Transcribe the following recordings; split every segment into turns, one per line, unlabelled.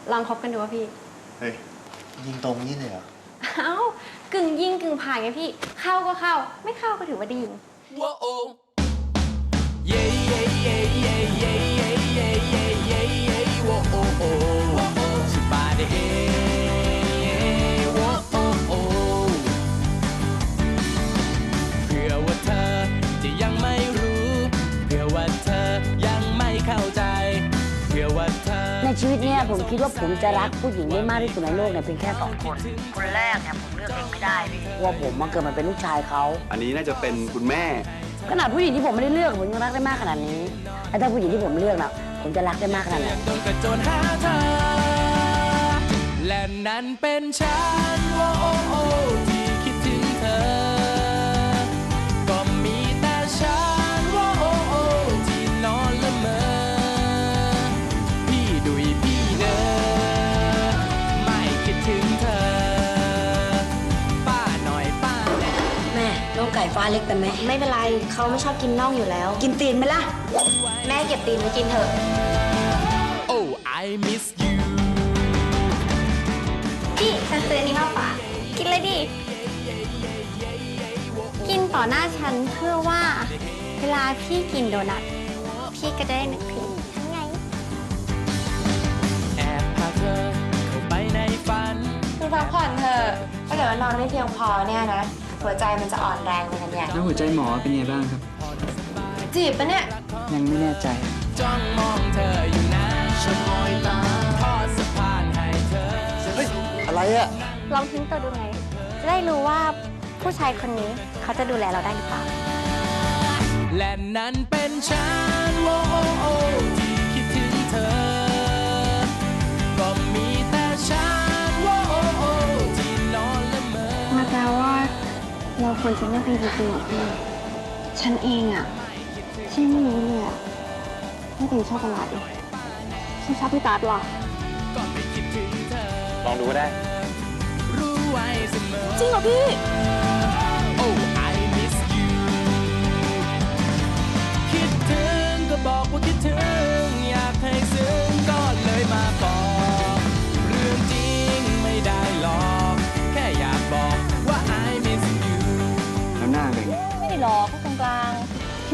ลองคบกันดูว่าพี่
เฮ้ยยิงตรงนี่เลยเหรอ
เอ้ากึ่งยิงกึ่งผ่านไงพี่เข้าก็เข้าไม่เข้าก็ถือว่าดีว้โอเย่เย่เย่เย่เย่เย่เย่เย่เย่เย่ว้โอโอสิบาเดเฮว้โอโอเพื่อว่าเธอจะยังไม่รู้เพื่อว่าเธอยังไม่เข้าใจเพื่อว่าเธอ
ในชีวิตเนี่ยผมคิดว่าผมจะรักผู้หญิงได้มากที่สุดในโลกเนี่ยเพียงแค่2 คนคนแรกเนี่ยผมเลือกเองไม่ได้พี่ว่าผมมาเกิดมาเป็นลูกชายเขา
อันนี้น่าจะเป็นคุณแม่
ขนาดผู้หญิงที่ผมไม่ได้เลือกผมยังรักได้มากขนาดนี้แล้วถ้าผู้หญิงที่ผมเลือกนะผมจะรักได้มากขนาดไหน
และนั้นเป็นฉันที่คิดถึงเธอก็มีแต่ฉันที่นอนละเมอพี่ดุยพี่เด้อไม่คิดถึงเธอป้าหน่อยป้า
แม่น้องไก่ฟ้าเล็กแต่ไม่เป็นไรเขาไม่ชอบกินน่องอยู่แล้วกินตีนไหมล่ะแม่เก็บตีนไว้กินเถอะ
Oh I miss you พี่ฉันซื้ออันนี้มาฝากกินเลยดิกินต่อหน้าฉันเพื่อว่าเวลาพี่กินโดนัทพี่ก็จะได้นึกถึงฉันไงแอบพาเธอเข้าไปในฝัน
คือพักผ่อนเถอะถ้าเกิดว่านอนไม่เพียงพอเนี่ยนะหัวใจมันจะอ่อนแรงเลยนะเนี่ย
แล้วหัวใจหมอเป็นไงบ้างครับ
จีบปะเนี่ย
ยังไม่แน่ใจ
จ้องมองเธออยู่นะฉันลอยตาทอดสะพานให้เธอ
เฮ้ยอะไรอะ
ลองทิ้งตัวดูไงจะได้รู้ว่าผู้ชายคนนี้เขาจะดูแลเราได้หรือเปล่าและนั้นเป็นฉันที่คิดถึงเธอก็มีแต่ฉันที่นอนละเมอ
มาแปลว่าเราควรจะไม่เป็นจริงๆหรอพี่ฉันเองอะที่ไม่รู้เลยอะไม่เป็นชอบประหลาดเลยฉันชอบพี่ตาดหรอ
ลองดูก็ได้
จริงเหรอพี่
Oh I miss you คิดถึงก็บอกว่าคิดถึงอยากให้ซึ้งก็เลยมาบอกเรื่องจริงไม่ได้หรอกแค่อยากบอกว่า I miss you
แล้วหน้าเป็นไง
ไม่ได้หรอกก็กลางๆผี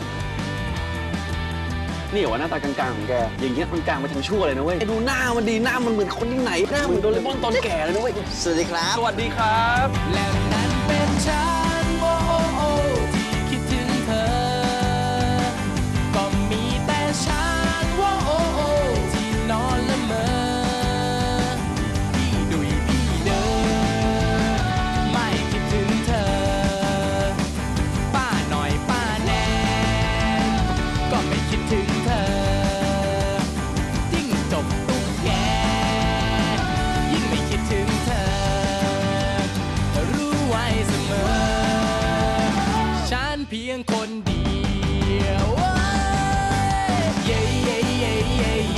นี่เหรอว่าหน้าตากลางๆของแกอย่างเงี้ยมันกลางไปทางชั่วเลยนะเว้ยดูหน้ามันดีหน้ามันเหมือนคนที่ไหนหน้าเหมือนโดเรมอนตอนแก่เลยนะเว้ยสวัสดีครับสวัสดีครับ
และนั้นเป็นฉันที่คิดถึงเธอก็มีแต่ฉันที่นอนละเมอพี่ดุยพี่เด้อไม่คิดถึงเธอป้าหน่อยป้าแนนก็ไม่คิดถึงเธอยิ่งจบตุ๊กแกยิ่งไม่คิดถึงเธอรู้ไว้เสมอฉันเพียงคนเดียวเย่เย่เย่เย่